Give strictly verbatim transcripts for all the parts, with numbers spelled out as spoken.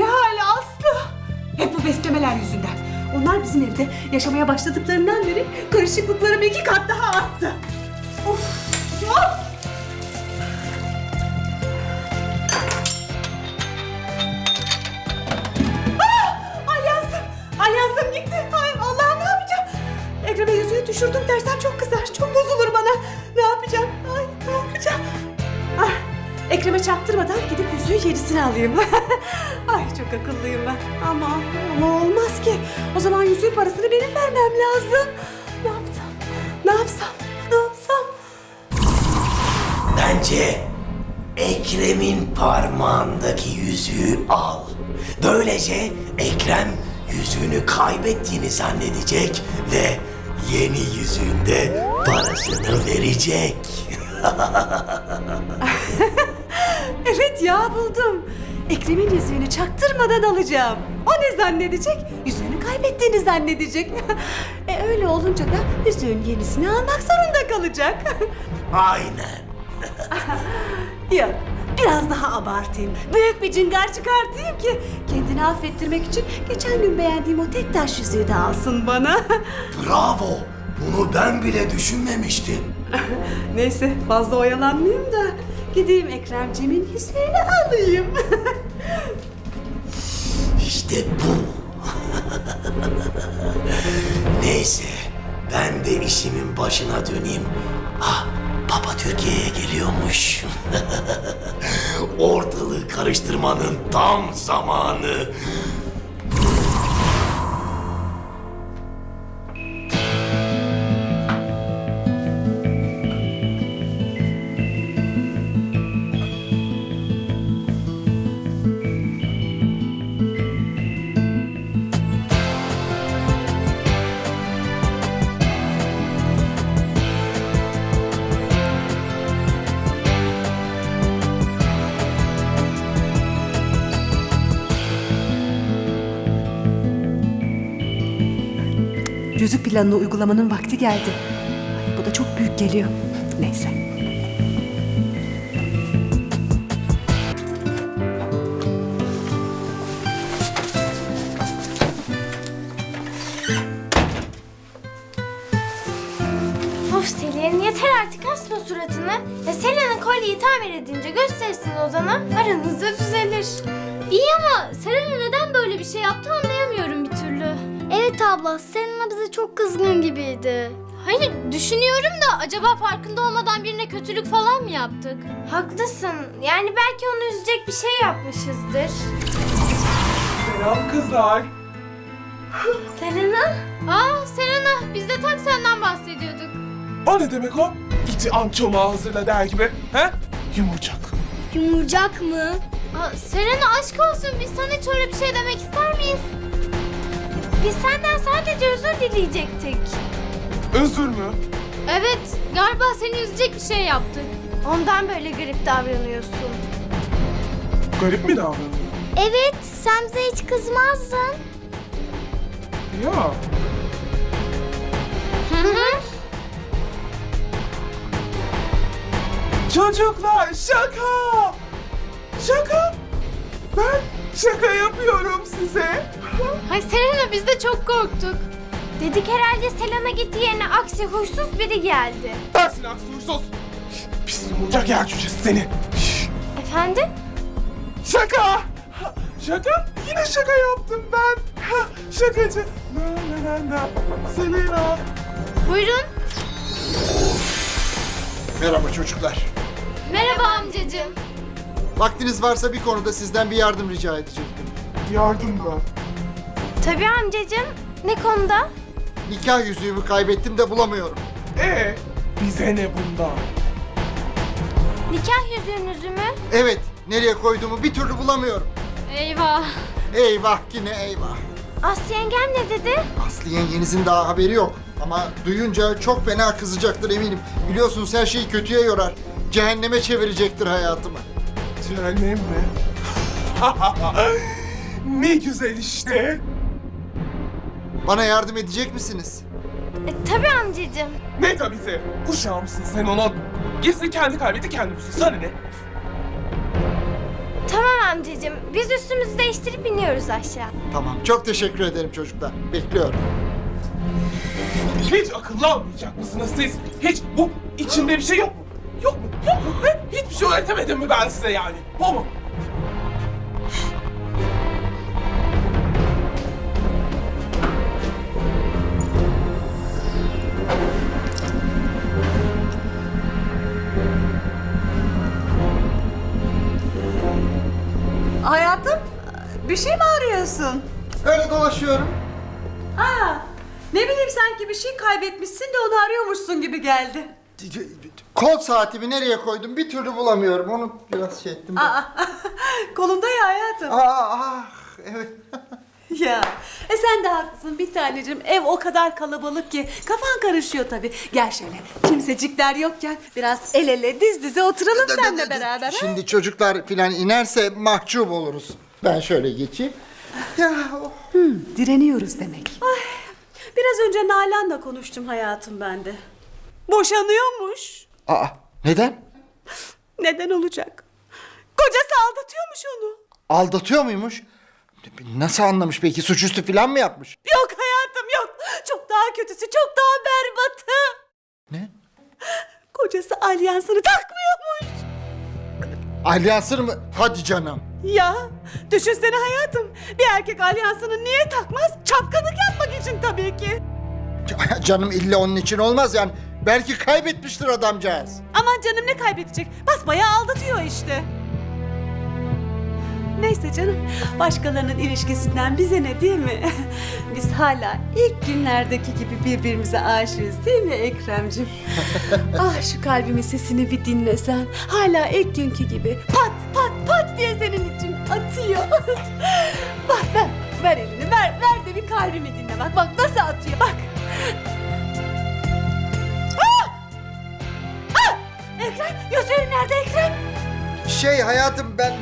Nihal, Aslı. Hep bu beslemeler yüzünden. Onlar bizim evde yaşamaya başladıklarından beri karışıklıklarım iki kat daha arttı. Of! Of! Alyansım, alyansım gitti. Ay Allah'ım, ne yapacağım? Ekrem'e yüzüğü düşürdüm dersem çok kızar, çok bozulur bana. Ne yapacağım? Ay ne yapacağım? Ah, Ekrem'e çaktırmadan gidip yüzüğü yenisini alayım. Ay çok akıllıyım ben. Ama, ama olmaz ki. O zaman yüzüğün parasını benim vermem lazım. Ne yapsam? Ne yapsam? Ne yapsam? Bence Ekrem'in parmağındaki yüzüğü al. Böylece Ekrem yüzüğünü kaybettiğini zannedecek ve yeni yüzüğünde parasını verecek. Evet ya, buldum. Ekrem'in yüzüğünü çaktırmadan alacağım. O ne zannedecek? Yüzüğünü kaybettiğini zannedecek. e öyle olunca da yüzüğün yenisini almak zorunda kalacak. Aynen. Yok, biraz daha abartayım. Büyük bir cingar çıkartayım ki kendini affettirmek için geçen gün beğendiğim o tek taş yüzüğü de alsın bana. Bravo. Bunu ben bile düşünmemiştim. Neyse, fazla oyalanmayayım da gideyim Ekremciğimin yüzüğünü alayım. İşte bu. Neyse, ben de işimin başına döneyim. Ah, Papa Türkiye'ye geliyormuş. Ortalığı karıştırmanın tam zamanı. Yüzük planını uygulamanın vakti geldi. Ay, bu da çok büyük geliyor. Neyse. Of Selin, yeter artık, asma suratını. Ya Selen'in kolyeyi tamir edince gösterirsin Ozan'a, aranızda düzelir. İyi ama Selena neden böyle bir şey yaptı anlayamıyorum bir türlü. Evet abla, Selena bize çok kızgın gibiydi. Hayır, düşünüyorum da acaba farkında olmadan birine kötülük falan mı yaptık? Haklısın. Yani belki onu üzecek bir şey yapmışızdır. Selam kızlar. Selena? Aa Selena, biz de tam senden bahsediyorduk. O ne demek o? İçi ançoma hazırla der gibi. He? Yumurcak. Yumurcak mı? Aa, Selena aşk olsun, biz sana hiç öyle bir şey demek ister miyiz? Biz senden sadece özür dileyecektik. Özür mü? Evet, galiba seni üzecek bir şey yaptık. Ondan böyle garip davranıyorsun. Garip mi davranıyor? Evet, sen bize hiç kızmazdın. Ya. Hı hı. Çocuklar şaka. Şaka. Ben şaka yapıyorum size. Hay Selena, biz de çok korktuk. Dedik herhalde Selena gitti yerine aksi huysuz biri geldi. Dersin aksi huysuz. Pis yumurcak yer cücesi seni. Efendim? Şaka. Şaka? Yine şaka yaptım ben. Ha, şakacı. Na na na na. Selena. Buyurun. Merhaba çocuklar. Merhaba amcacığım. Vaktiniz varsa bir konuda sizden bir yardım rica edecektim. Yardım mı? Tabii amcacığım. Ne konuda? Nikah yüzüğümü kaybettim de bulamıyorum. Ee, bize ne bundan? Nikah yüzüğünüzü mü? Evet, nereye koyduğumu bir türlü bulamıyorum. Eyvah. Eyvah yine eyvah. Aslı yengem ne dedi? Aslı yengenizin daha haberi yok. Ama duyunca çok fena kızacaktır eminim. Biliyorsunuz her şeyi kötüye yorar. Cehenneme çevirecektir hayatımı. Cehennem mi? Ne güzel işte. Bana yardım edecek misiniz? E, tabii amcacığım. Ne tabisi? Uşağı mısın sen ona? Gitsin kendi kaybetti kendi bulsun. Sana ne? Tamam amcacığım. Biz üstümüzü değiştirip iniyoruz aşağı. Tamam, çok teşekkür ederim çocuklar. Bekliyorum. Hiç akıllı olmayacak mısınız siz? Hiç bu içinde bir şey yok mu? Yok mu? Yok mu? He? Hiçbir şey öğretemedim mi ben size yani? Bu mu? Hayatım, bir şey mi arıyorsun? Öyle dolaşıyorum. Aa, ne bileyim sanki bir şey kaybetmişsin de onu arıyormuşsun gibi geldi. Kol saatimi nereye koydum bir türlü bulamıyorum. Onu biraz şey ettim. ben. Aa, kolumda ya hayatım. Aa, ah, evet. Ya, e sen de haklısın bir tanecim. Ev o kadar kalabalık ki kafan karışıyor tabii. Gel şöyle, kimsecikler yokken biraz el ele diz dize oturalım seninle beraber. ha? Şimdi çocuklar filan inerse mahcup oluruz. Ben şöyle geçeyim. Ya, oh. Direniyoruz demek. Ay, biraz önce Nalan'la konuştum hayatım ben de. Boşanıyormuş. Aa, neden? Neden olacak? Kocası aldatıyormuş onu. Aldatıyor muymuş? Nasıl anlamış peki? Suçüstü filan mı yapmış? Yok hayatım yok. Çok daha kötüsü, çok daha berbatı. Ne? Kocası alyansını takmıyormuş. Alyansını mı? Hadi canım. Ya düşünsene hayatım. Bir erkek alyansını niye takmaz? Çapkınlık yapmak için tabii ki. Canım illa onun için olmaz yani. Belki kaybetmiştir adamcağız. Aman canım ne kaybedecek? Basbayağı aldatıyor işte. Neyse canım, başkalarının ilişkisinden bize ne değil mi? Biz hala ilk günlerdeki gibi birbirimize aşığız değil mi Ekrem'cim? Ah şu kalbimin sesini bir dinlesen, hala ilk günkü gibi pat pat pat diye senin için atıyor. Bak ver, ver elini, ver, ver de bir kalbimi dinle bak, bak nasıl atıyor bak. Ah! Ah! Ekrem, gözlerin nerede Ekrem? Şey hayatım ben...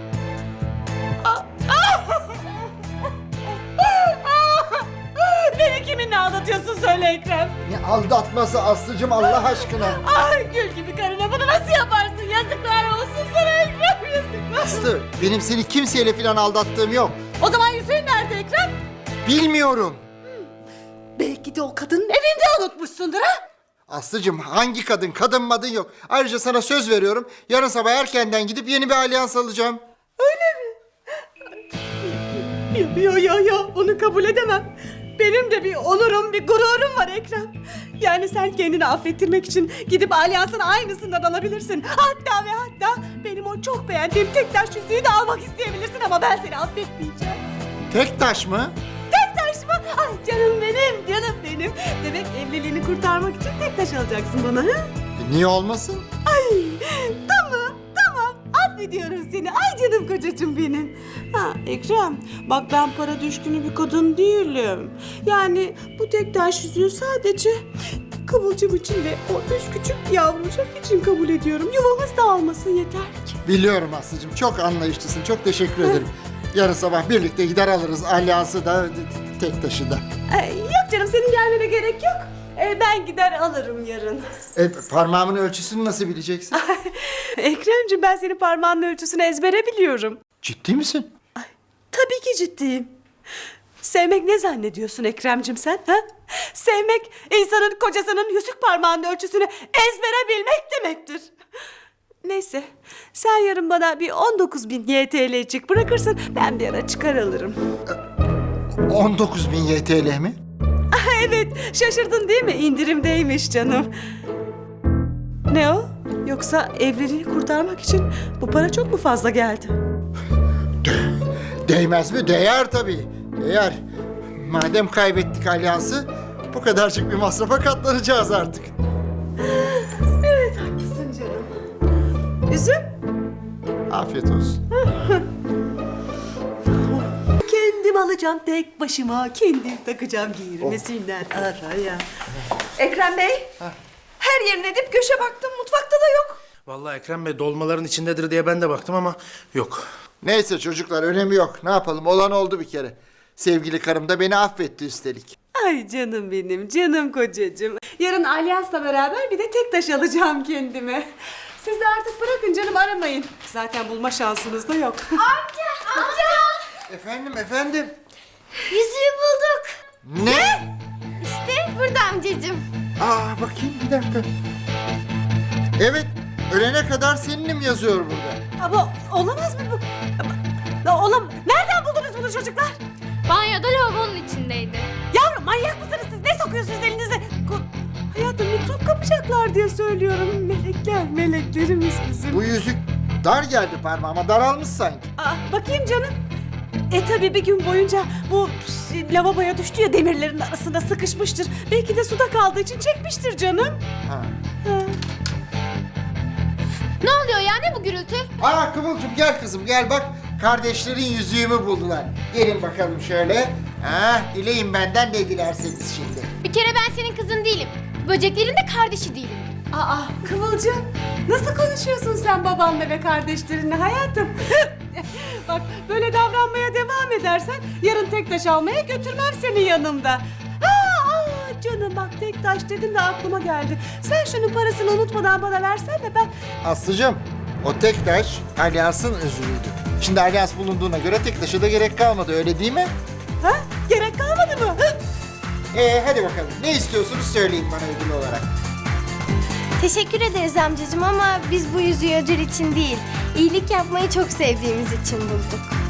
Beni kiminle aldatıyorsun söyle Ekrem. Ne aldatması Aslı'cım Allah aşkına. Ay gül gibi karına bunu nasıl yaparsın? Yazıklar olsun sana Ekrem, yazıklar. Aslı benim seni kimseyle filan aldattığım yok. O zaman yüzüğün nerede Ekrem? Bilmiyorum. Belki de o kadının evinde unutmuşsundur ha? Aslı'cım hangi kadın? Kadın madın yok. Ayrıca sana söz veriyorum. Yarın sabah erkenden gidip yeni bir alyans alacağım. Yo yo yo yo bunu kabul edemem. Benim de bir onurum, bir gururum var Ekrem. Yani sen kendini affettirmek için gidip alyansın aynısından alabilirsin. Hatta ve hatta benim o çok beğendiğim tek taş yüzüğü de almak isteyebilirsin ama ben seni affetmeyeceğim. Tek taş mı? Tek taş mı? Ay canım benim, canım benim. Demek evliliğini kurtarmak için tek taş alacaksın bana ha? E, niye olmasın? Ay tamam tamam affediyorum seni. Ay canım kocacığım benim. Ha Ekrem bak ben para düşkünü bir kadın değilim. Yani bu tek taş yüzüğü sadece Kıvılcım için ve o üç küçük yavrucak için kabul ediyorum. Yuvamız dağılmasın yeter ki. Biliyorum Aslı'cım çok anlayışlısın. Çok teşekkür ederim. Yarın sabah birlikte gider alırız alyansı da tek taşı da. Ay, yok canım senin gelmene gerek yok. Ee, ben gider alırım yarın. E, parmağımın ölçüsünü nasıl bileceksin? Ekremciğim ben senin parmağının ölçüsünü ezbere biliyorum. Ciddi misin? Tabii ki ciddiyim. Sevmek ne zannediyorsun Ekrem'cim sen? Ha? Sevmek insanın kocasının yüzük parmağının ölçüsünü ezbere bilmek demektir. Neyse sen yarın bana bir on dokuz bin Y T L'cik bırakırsın ben bir ara çıkar alırım. on dokuz bin Y T L mi? Evet şaşırdın değil mi? İndirimdeymiş canım. Ne o? Yoksa evliliğini kurtarmak için bu para çok mu fazla geldi? Değmez mi? Değer tabii. Değer. Madem kaybettik alyansı bu kadarcık bir masrafa katlanacağız artık. Evet haklısın canım. Üzüm? Afiyet olsun. Kendim alacağım tek başıma, kendim takacağım girmesinler araya. Ekrem Bey, her yerine dip köşe baktım, mutfakta da yok. Vallahi Ekrem Bey dolmaların içindedir diye ben de baktım ama yok. Neyse çocuklar önemi yok. Ne yapalım? Olan oldu bir kere. Sevgili karım da beni affetti üstelik. Ay canım benim, canım kocacığım. Yarın alyansla beraber bir de tek taş alacağım kendime. siz de artık bırakın canım, aramayın. Zaten bulma şansınız da yok. Efendim efendim. Yüzüğü bulduk. Ne? İşte burada amcacığım. Aa bakayım bir dakika. Evet, ölene kadar seninim yazıyor burada. Ama olamaz mı bu? Ama- Olam. Nereden buldunuz bunu çocuklar? Banyoda lavabonun içindeydi. Yavrum manyak mısınız siz? Ne sokuyorsunuz elinize? Ko- Hayatım mikrop kapacaklar diye söylüyorum. Melekler, meleklerimiz bizim. Bu yüzük dar geldi parmağıma, daralmış sanki. Aa, bakayım canım. E tabi bir gün boyunca bu şey, lavaboya düştü ya, demirlerin arasında sıkışmıştır. Belki de suda kaldığı için çekmiştir canım. Ha. Ha. Ne oluyor ya, ne bu gürültü? Aa Kıvılcım gel kızım gel bak. Kardeşlerin yüzüğümü buldular. Gelin bakalım şöyle. Ha, dileyin benden ne dilerseniz şimdi. Bir kere ben senin kızın değilim. Böceklerin de kardeşi değilim. Aa Kıvılcım, nasıl konuşuyorsun sen babanla ve kardeşlerinle hayatım? Bak böyle davranmaya devam edersen yarın tek taş almaya götürmem seni yanımda. Aa, aa, canım bak tek taş dedin de aklıma geldi. Sen şunun parasını unutmadan bana versene, ben... Aslıcığım o tek taş alyansın özürüydü. Şimdi alyans bulunduğuna göre tek taşa da gerek kalmadı öyle değil mi? Ha? Gerek kalmadı mı? Hı? Ee hadi bakalım ne istiyorsunuz söyleyin bana ödül olarak. Teşekkür ederiz amcacığım ama biz bu yüzüğü ödül için değil, iyilik yapmayı çok sevdiğimiz için bulduk.